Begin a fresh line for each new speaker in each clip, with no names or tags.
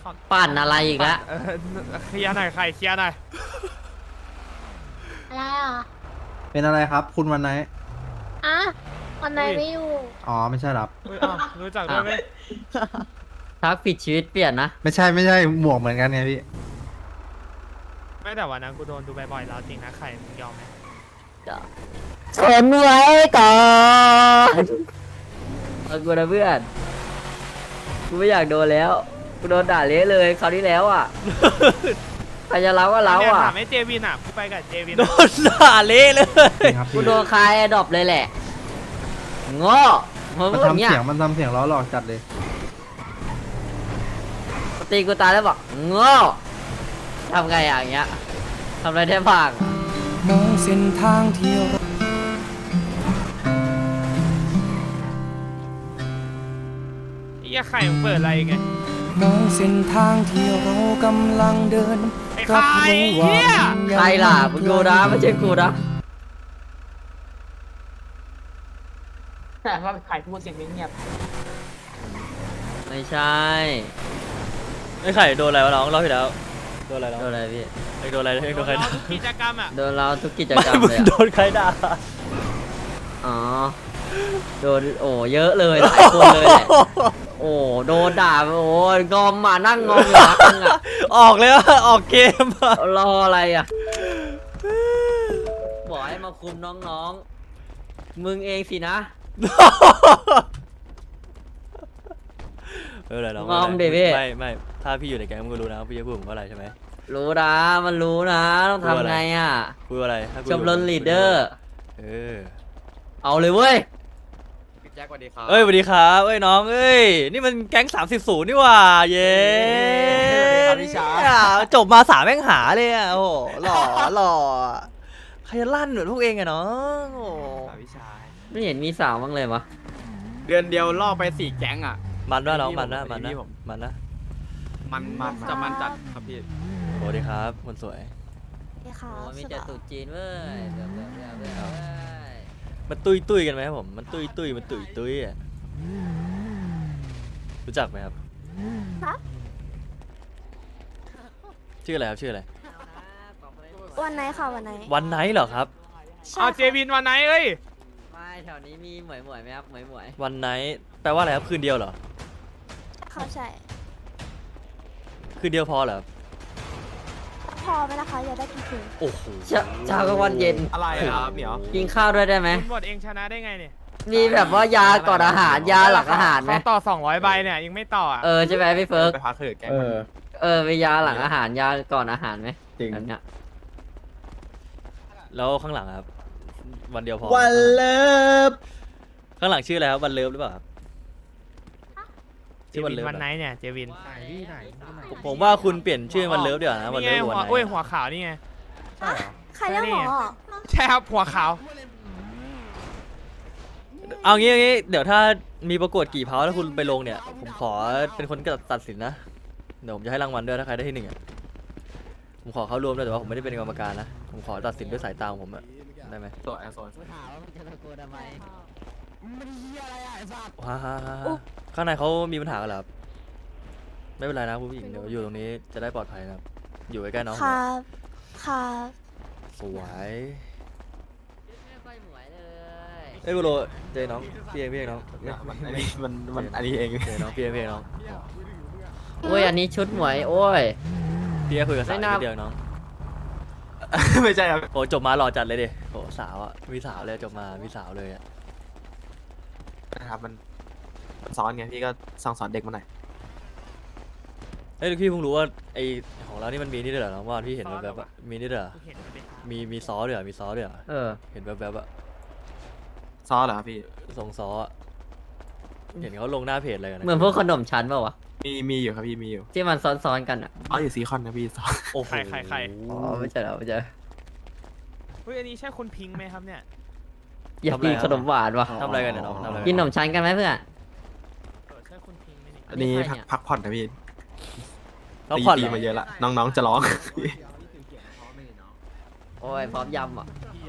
ปั่นอะไรอีกแล้ว
เคลียร์หน่อยใครเคลียร์หน่อย
อะไรอ่ะ
เป็นอะไรครับ คุณวันไหน
อ่ะวันไหนไม่อยู่
อ๋อไม่ใช่ครับ
อุ๊ยอ้าวรู้จักด้วยไหม
ทักผิดชีวิตเปลี่ยนนะ
ไม่ใช่หมวกเหมือนกันไงพี่
ไม่แต่วันนั้นกูโดนดูบ่อยๆแล้วจริงนะใครมึงยอมไหม
ทนไว้ก่อนเอากูนะเพื่อน กูไม่อยากโดนแล้ว กูโดนด่าเละเลยคราวที่แล้วอ่ะ ใครจะเล้าก็เล้า
เนี่ย
อ่ะ
ถามไอ้เจวินอ่ะกูไปกับเจวิน
โดนด่าเละเลย
จริงครับ
กู
พี่
โดนคายแอดรอปเลยแหละโง่มึง
มัน
พูดอย่าง
ทำ
เงี้ย
เสียงล้อหลอกจัดเลย
ตีกูตายแล้วบอกโง่ทำไงอย่างเงี้ยทำอะไรได้บ้าง
มองเส้นทางที่เรา
ไอ้เหี้ยใครมึงเปิดอะไรไง
มองเส้นทางที่เรากำลังเดิน
ไอ้
รับ
ใคร
รู้ว่า
เหี้ย
มันยัง
ใครล่ะมึงกูนะไม่ใช่กูนะ
แต่ว่าใครพูดเสียงเงียบ
ไม่ใช่
ไอ้ไข่โดนอะไรวะน้องรอบที่แล้วโดนอะไรน้อง
โดนอะไรพี่
ไอ้โดนอะไรไอ้โดนใครด่า
ทุกกิจกรรมอ่ะ
โดนเราทุกกิจ
ไม่
กรรม
มึ
เลย
ง
อะ
โดนใครด่า
อ๋อ โดนโอ้เยอะเลยหลายคนเลยแหละ โอ้โดนด่าโอ้งอมมานั่งงอมอยู่พักนึงอะ
ออกเลยอะออกเกมอะ
รออะไรอะบอกให้มาคุมน้องๆ มึงเองสินะ
เอออะไรน้อง
งอมดิพี่
ไม่ถ้าพี่อยู่ในแก๊งมึงก็รู้นะว่าพี่จะพูดผมว่าอะไรใช่ไหม
รู้นะมันรู้นะต้องทำไงอะ
พูดว่าอะไรถ้ากู
ชมรมลีดเดอร์
เออ
เอาเลยเว้ย
เอ้ยสวัสดีครับเอ้ยน้องเอ้ยนี่มันแก๊ง30นี่หว่าเย้จบมา3แม่งหาเลยอะโอ้โหหล่อใครจะลั่นเหมือนพวกเองอะน้องโอ้
ไม่เห็นมีสาวบ้างเลยวะ
เดือนเดียวล่อไป4แก๊งอ่ะ
มันว่าน้องมันนะ
พี่ผม
มันนะ
มันจะมันจัดครับพี่
สวัสดีครับคนสวย
ค่ะ
โอ้มีแต่ตุ๊จีนเว้ยเบื่อเว้ย
มันตุ้ยกันไหมครับผมมันตุ้ยอะรู้จักไหมครับชื่ออะไรครับชื่ออะไร
วันไหนค่ะวันไหน
วันไนท์เหรอครับ
เอาเจวินวันไหนเอ้ย
ไม่แถวนี้มีหมวยไหมครับหมวย
วันไนท์แปลว่าอะไรครับคืนเดียวเหรอ
เขาใช่
คืนเดียวพอเหรอครับ
พอไหมนะคะอยากได้กี่คืน
โอ้โห
เช้ากลางวันเย็น
อะไรครับเหมียว
กินข้าวด้วยได้ไหม
คุณบดเองชนะได้ไงเนี่ย
มีแบบว่ายาก่อนอาหารยาหลังอาหารไหม
เขาต่อ200 ใบเนี่ยยังไม่ต่ออ่ะ
เออใช่ไหมพี่เฟิร์ก
ไปพักเถิดแก๊ง
มียาหลังอาหารยาก่อนอาหารไหม
จริง
แบบเนี้ย
แล้วข้างหลังอะครับวันเดียวพอ
วันเลิฟ
ข้างหลังชื่ออะไรครับวันเลิฟหรือเปล่าครับ
เจ
ชื่อวัน
วิน
เลิฟ
วันไหนเนี่ยเจวิน
ผมว่าคุณเปลี่ยนชื่อวันเลิฟดีกว่านะวัน
นี่
เลิ
ไง
ฟ
หั
วั
วน
ไหน
โอ้ยหัวขาวนี่ไง
ใครเรียกหมอ
ใช่ครับหัวขาว
เอางี้เดี๋ยวถ้ามีประกวดกี่เพาแล้วคุณไปลงเนี่ยผมขอเป็นคนตัดสินนะเดี๋ยวผมจะให้รางวัลด้วยถ้าใครได้ที่1อะผมขอเข้าร่วมด้วยแต่ว่าผมไม่ได้เป็นกรรมการนะผมขอตัดสินด้วยสายตาของผมอะได้ไหม
ตัวแอร์โซน
ว้าข้างในเขามีปัญหากันเหรอครับไม่เป็นไรนะผู้หญิงเดี๋ยวอยู่ตรงนี้จะได้ปลอดภัยนะครับอยู่ใกล้ๆน้องผม
ครับครับ
สวย
ไม่ค่อยหมวยเลย
เอ้ยบุโรเจน้องพี่เองน้อง
อันนี้มันอันนี้เอง
เจน้องพี่เองน้อง
โอ้ยอันนี้ชุดหมวยโอ้ย
พี่ก็คุยกับสาว
ไม่น่า
นิดเดียวน้อง
ไม่ใช่ครับ
โอ้จบมาหล่อจัดเลยดิโอ้สาวอ่ะมีสาวเลยจบมามีสาวเลยอ่ะ
นะครับมันสอนไงพี่ก็สอนเด็กมาหน่อย
เอ้ยพี่เพิ่งรู้ว่าไอของเรานี่มันมีนี่ด้วยเหรอน้องว่าพี่เห็นแบบๆอะมีนี่ด้วยเหรอ
เห็นไหม
มีซอสด้วยเหรอมีซอสด้วยเหรอ
เออ
เห็นแบบๆอะ
ซอนเหรอครับพี่
ส่งซอสอะเห็นเขาลงหน้าเพจอะไรกันนะ
เหมือนพวกขนมชั้นเปล่าวะ
มีอยู่ครับพี่มีอยู่
ที่มันซ้อนๆกันอ่ะ
อ๋ออยู่ซีคอนนะพี่ซอน
โอ้โห
ใคร
อ๋อไม่ใช่แล้วไม่ใช่
เฮ้ยอันนี้ใช่คุณพิงค์ไหมครับเนี่ย
อยากกินขนมหวานวะ
ทำอะไรกันเนี่ยน้องทำอะไร
กินขนมชั้นกันไหมเพื่อน
ใช่คุณพิงค์ไหมเนี่ย
อันนี้
ใครเนี่ย
พักผ่อนนะพี่
เขาผ่อน
ตี
เหรอ
มาเยอะละน้องๆจะร้อง
โอ้ยพร้อมยำอ่ะ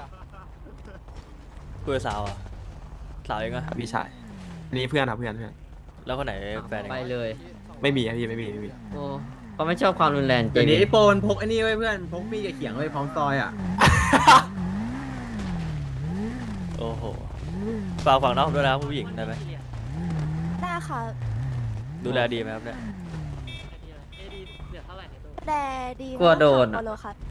คุยกับสาวอ่ะสาวเองอะ
พี่ชายอันนี้เพื่อนครับเพื่อน
แล้วคนไหนแฟนเอง
ไป
อะ
เลย
ไม่มีครับพี่ไม่มี
โอ้เขาไม่ชอบความรุนแรงจ
เดี๋
ริ
ยว
ง
นี้ไอ้โปนพกไอ้นี่ไว้เพื่อนพกมีดกับเขียงไว้พร้อมซอยอ่ะ
โอ้โหฝากฝั่งน้องผมด้วยนะครับผู้หญิงได้ไหม
ได้ค่ะ
ดูแลดีไหมครับเนี่ย
แต่ดี
กลัวโดน
อะ
อะ
โลครับ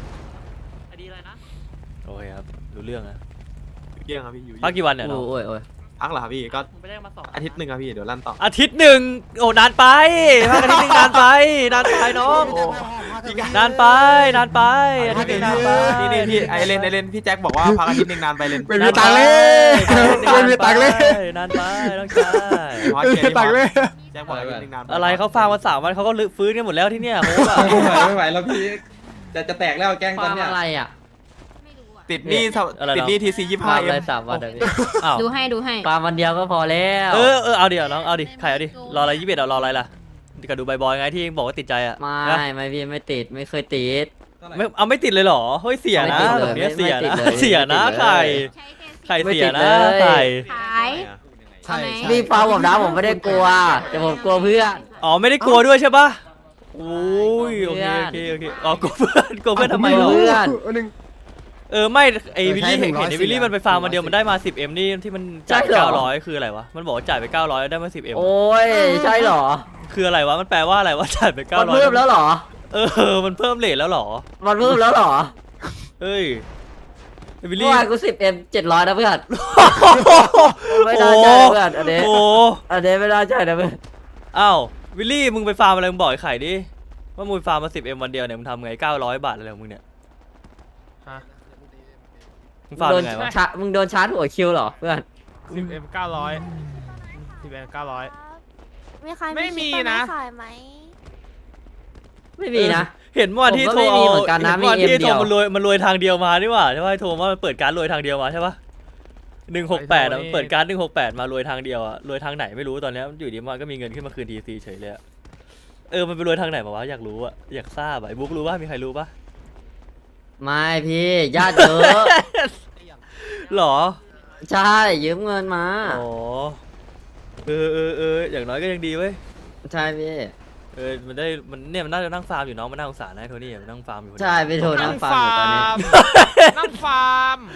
โอเคครับรู้เรื่องนะ
เยี่ยงครับพี่อยู่
พักกี่วันเนี่ยน้อง
โอ้ยโอ้ย
พักเหรอครับพี่ก็อาทิตย์หนึ่งครับพี่เดี๋ยวลั่นต่อ
อาทิตย์หนึ่งโอ้นานไปพักอาทิตย์หนึ่งนานไปนานไปน้องนานไปนานไปอาทิตย์หนึ่งนานไป
นี่พี่ไอเลนพี่แจ็คบอกว่าพักอาทิตย์หนึ่งนานไปเลน
ไม่มีตังค์เลยไม่มีตังค์เลย
นานไปน้องชาย
ไม่มีตังค์เลยแจ็คบอกอาทิตย์หนึ่งนาน
อะไรเขาฟังมา3 วันเขาก็ฟื้นกันหมดแล้วที่เนี่ยโอ้โห
ไม่ไหวแล้วพี่จะแตกแล้วแกง
ค
ตอ
วาน ม
เนี้ย
อะไรอ่ะ
ติดหนี้ติดหนี้ทีซี
ควา
25
ม
เอ็
อะไร
ม
3 วันอะพี่
อ้าว
ดูให้ดูให้
ปาวันเดียวก็พอแล้ว
เออเอาดิน้องเอาดิใครเอาดิรออะไร21เอารออะไรล่ะก็ดูบอยๆไงที่บอกว่าติดใจอ่ะ
ไม่พี่ไม่ติดไม่เคยติด
ไม่เอาไม่ติดเลยเหรอเฮ้ยเสียนะ
ไม่ติดเลย
แบบเนี้ยเสีย
ไม่ติ
นะ
ดเลย
เสียนะ
ไม่ติดเลย
ใครใคร
ไม่
เสีย
ติด
นะ
เลย
ใคร
ขาย
ใช่
พี่ฟังผมนะผมไม่ได้กลัวแต่ผมกลัวเพื่อน
อ๋อไม่ได้กลัวด้วยใช่ปะโอ้ยโอเค
เพื่อน
โอเคอ๋อกลัวเพื่อนทำไม
กลั
เหร
ว
อ
เพื่อน
ไม่ไอวิลลี่
ใช่
เห็น
100
ไอวิลลี่มันไปฟาร์มมาเดียวมันได้มา 10M นี่ที่มันจ่าย
ใช่เหรอ
900คืออะไรวะมันบอกว่าจ่ายไป900แล้วได้มา 10M
โอ้ยใช่เหรอ
คืออะไรวะมันแปลว่าอะไรวะจ่ายไป
มัน
900
เพิ่มแล้วเหรอ
มันเพิ่มเรทแล้วเหรอ
มันเพิ่มแล้วเหรอ
เฮ้ยไอวิล
เมื่
ลี่
อวานกู 10M 700นะเพื่อนไม่น่าใจนะเพื่อนอันนี้
โอ้
อันนี้ไม่น่าใจนะเพื่อน
อ้าววิลลี่มึงไปฟาร์มอะไรมึงบอกไอ้ไข่ดิว่ามึงไปฟาร์มมา 10M วันเดียวเนี่ยมึงทำไง900 บาทอะไรของมึงเนี่ย
ฮะ
มึงฟาร์ม
โดน
ยังไงวะ
มึงโดนชาร์จหัวคิวเหรอเพื่อน
10M 900 10M 900
มีใคร
ไม่มี
คลิป
นะ
ขายไหม
ไม่มีนะ
เห็นว่าที่
ผม
โท
ก็
ร
ไม่มี
เอา
เหมือนกันนะ
เห็นว่า
มี M
ที่
เดี
โทร
ยว
มันรวยทางเดียวมานี่หว่าใช่ป่ะโทรว่ามันเปิดการรวยทางเดียวมาใช่ป่ะ168มันเปิดการ168มารวยทางเดียวอะรวยทางไหนไม่รู้ตอนเนี้ยอยู่ดีมันก็มีเงินขึ้นมาคืน TC เฉยเลยอะมันไปรวยทางไหนมาวะอยากรู้อะอยากทราบอะไอ้บุ๊กรู้ป่ะมีใครรู้ป่ะ
ไม่พี่ญาติเยอะ
หรอ
ใช่ยืมเงินมา
อ๋ออย่างน้อยก็ยังดีเว้ย
ใช่พี่
มันได้มันเนี่ยมันน่าจะนั่งฟาร์มอยู่น้องมันน่าสงสารนะไอ้โทนี่มันนั่งฟาร์มอยู่คนเดียว
ใช่ไปโทรนั่งฟังอยู่ตอนนี้
นั่งฟาร์ม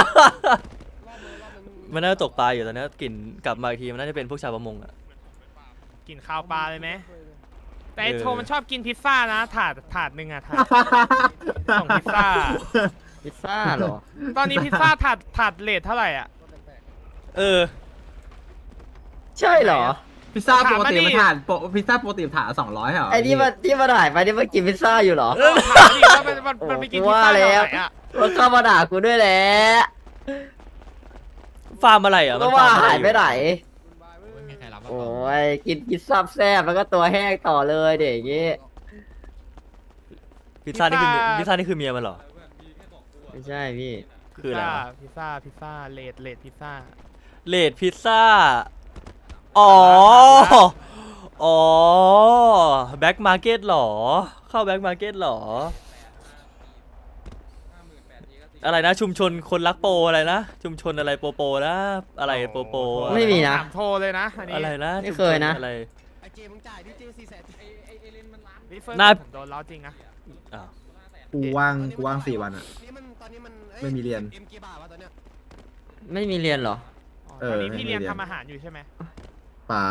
มันน่าจะตกปลาอยู่ตอนนี้กลิ่นกลับมาอีกทีมันน่าจะเป็นพวกชาวประมงอะ
กินข้าวปลาเลยไหมแต่ไอ้
เออ
โทมันชอบกินพิซซ่านะถาดหนึ่งอะถาดส่งพิซซ่า
พิซซ่าเหรอ
ตอนนี้พิซซ่าถาดเลทเท่าไหร่อ่ะ
ใช่เหรอ
พิซซ่าปกติ
ถามมาดิ
มันถาดพิซซ่าปกติถาด200เหรอ
ไอ้ที่มันหายไปนี่มันกินพิซซ่าอยู่เหรอ
ถามดิว่ามันไปกินพิซซ่า
ว่าแล้
แถว
ว
ไหนอ่ะ
มันเข้ามาด่ากูด้วยแหละ
ฟาร์มอะไรอ่ะ
ก็
มัน
ว่า
ฟร์มอะ
หา
ร
ยไปไหน
ไม่มีใครรับ
โอ้ยกินพิซซ่าแซ่บแล้วก็ตัวแห้งต่อเลยเด็กอย่างงี้
พิซซ่านี่คือเมียมันเหรอ
ไม่ใช่พี่
คืออะไรวะ
พิซซ่าเลทพิซซ่า
เลดพิซซ่าอ๋อแบ็คมาร์เก็ตหรอเข้าแบ็คมาร์เก็ตหรออะไรนะชุมชนคนรักโปรอะไรนะชุมชนอะไรโปนะอะไรโปอะร
ไม่มีนะ
ถามโทรเลยนะอันนี้
อะไรนะ
ไม่เคยนะ
อะไร
นี่เฟิร์ส
น่า
ผมโดนล้อจริงนะ
อ้าว
กูว่าง4 วันอ่ะ ไม่มีเรียน
ไม่มีเรียนเหรอ
เอ
ต
อ
อนนี้พี่เรียน
ไม่เรียน
ทำอาหารอยู่ใช่ไหม
เปล่า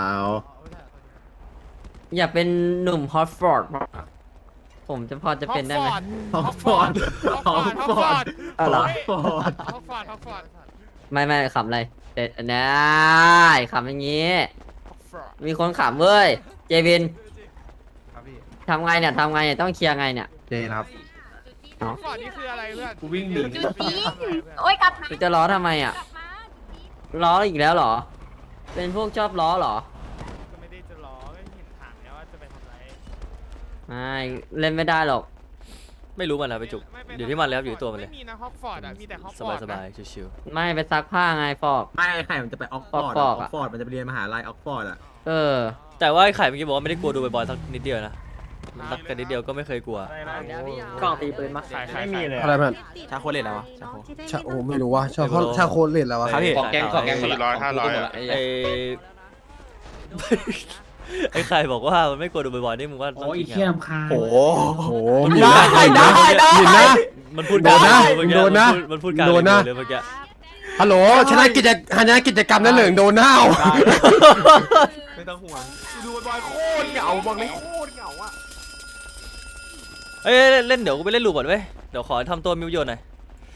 อยากเป็นหนุ่มฮอตฟอร์ดผมจะพอจะเป็นได้ไหม
ฮอกฟอร์ดฮอกฟอร์ด
อะไร
ฮอกฟอร์ด
ไม่ขำอะไรเด็ดได้ขำอย่างงี้ มีคนขำเว้ย เจวิน
ครับพี่
ทำไงเนี่ยต้องเคลียร์ไงเนี่ย
เจนะครับ
ฮอกฟอร์ดนี่คืออะไรเพื่อน
กูวิ่งหนี
โอ้ยกลับมา
จะล้อทำไมอ่ะ ล้ออีกแล้วเหรอ เป็นพวกชอบล้อเหรอ
ก็ไม่ได้จะล้อก็เห็นถามแล้วว่าจะไปทำอะไร
ไม่เล่นไม่ได้หรอก
ไม่รู้มันนะไปจุกอยู่ที่มันแล้วอยู่ที่ตัวมันเลย
ไม่มีนะฮอกฟอร์ดอ่ะมีแต่ฮอกฟ
ส
อร์
บาย
ด
สบายชิว
ไม่ไปซักผ้าไงฟอก
ไม่ไข่มันจะไปออกฟอร์ด
อ
อ
อ
อก ก
อะ
ฟอร์ดมันจะไปเรียนมหาลัยออกฟอร์ดอ่ะ
เออ
ๆแต่ว่าไอ้ไข่เมื่อกี้บอกว่าไม่ได้กลัวดูบ่อยๆสักนิดเดียวนะสักกันนิดเดียวก็ไม่เคยกลัว
กล่องตีปืนมา
ไม่มีเลย
อะไรเพื่อน
ชาโคเลตแล้ววะชาโค
โอ้ไม่รู้ว่าชาโคเลตแล้ววะ
ครับพี่
ของแกง
400 500
ไอ้ไอ้ไข่บอกว่ามันไม่กลัวโดนบ่อยๆนี่มึงว่าต้องจริง
เขี้ย
อ่ะ
มคา
โอ้โห
โอ้
ได้
มันพูดการ
โดนนะ
มันพูดการ
โดนนะ
เลยเมื่อกี้
ฮัลโหลชนะกิจกรรมนั้นเหลืองโดนหน้า
ไม่ต้องห่วงดูบอยโคตรเหงาบอกเลยโคตรเหงาอ่ะ
เอ้ยเล่นเดี๋ยวกูไปเล่นลูปก่อนเว้ยเดี๋ยวขอทำตัวมิวโยนหน่อย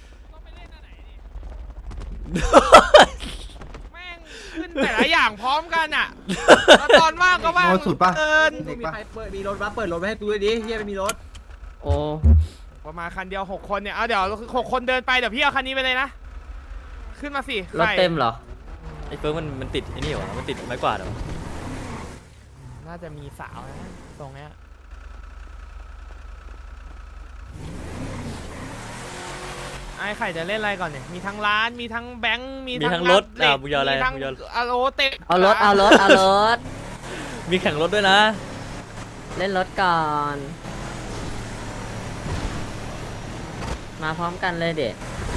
แม่งขึ้นแต่ละอย่างพร้อมกันอ่ะแล้วตอนว่างก็ว่าง
โอ้สุดปะ
เกิน
มีใครมีรถปะเปิดรถไว้ให้กูด้วยดิเฮียไม่มีรถ
โอ้
ประมาณคันเดียว6 คนเนี่ยเอาเดี๋ยว6 คนเดินไปเดี๋ยวพี่เอาคันนี้ไปเลยนะขึ้นมาสิ
รถเต็มเหรอ
ไอ้เฟิร์กมันติดไอ้นี่หวะมันติดไม้กวาดเหรอ
น่าจะมีสาวนะตรงเนี้ยไอ้ไข่จะเล่นอะไรก่อนเนี่ยมีทั้งร้านมีทั้งแบงค์มี
มีทั้งรถ
เหล็ก
มึงยออะไร
มีทั้ง
มึงยอ
อะโลเต็ม
เอารถรถ
มีแข่งรถด้วยนะ
เล่นรถก่อน มาพร้อมกันเลยเด็ก